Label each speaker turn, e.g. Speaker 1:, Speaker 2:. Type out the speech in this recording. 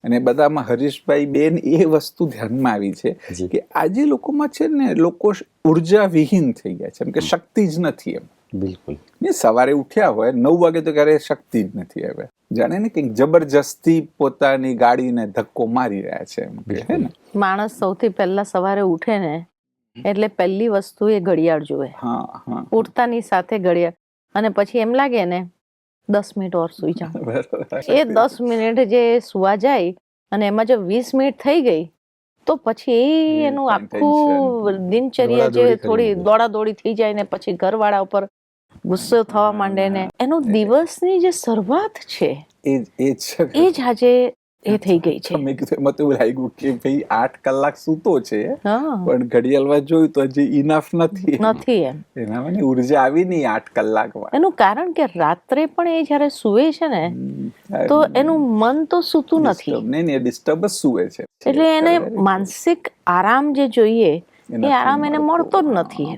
Speaker 1: અને બધામાં હરીશભાઈ બેન એ વસ્તુ ધ્યાનમાં આવી છે કે આજે લોકોમાં છે ને લોકો ઉર્જા વિહીન થઈ ગયા છે, એમ કે શક્તિ જ નથી એમ.
Speaker 2: બિલકુલ.
Speaker 1: ને સવારે ઉઠ્યા હોય 9 વાગે તો ક્યારે શક્તિ જ નથી. હવે જાણે ને કંઈક જબરજસ્તી પોતાની ગાડીને ધક્કો મારી રહ્યા છે એમ કે, હે ને.
Speaker 3: માણસ સૌથી પહેલા સવારે ઉઠે ને એટલે પહેલી વસ્તુ એ ઘડિયાળ જુએ. ઉઠતાની સાથે ઘડિયાળ, અને પછી એમ લાગે ને 10 મિનિટ ઓર સુઈ જાઉં. એ 10 મિનિટ જે સુવા જાય અને એમાં જો 20 મિનિટ થઈ ગઈ તો પછી એનું આખું દિનચર્યા જે થોડી દોડાદોડી થઈ જાય ને પછી ઘરવાળા ઉપર ગુસ્સો થવા માંડે ને એનો દિવસની જે શરૂઆત છે એ જ આજે એ થઈ ગઈ છે.
Speaker 1: મેં કીધું એમાં તો એવું લાગ્યું કે ભાઈ 8 કલાક સૂતો છે પણ ઘડિયાળમાં જોયું તો હજી ઇનફ નથી
Speaker 3: એમ.
Speaker 1: એનામાં ઉર્જા આવી નહીં 8 કલાકમાં.
Speaker 3: એનું કારણ કે રાત્રે પણ એ જયારે સુવે છે ને તો એનું મન તો સૂતું નથી.
Speaker 1: નહીં, ડિસ્ટર્બ જ સુવે છે.
Speaker 3: એટલે એને માનસિક આરામ જે જોઈએ એ આરામ એને મળતો જ નથી.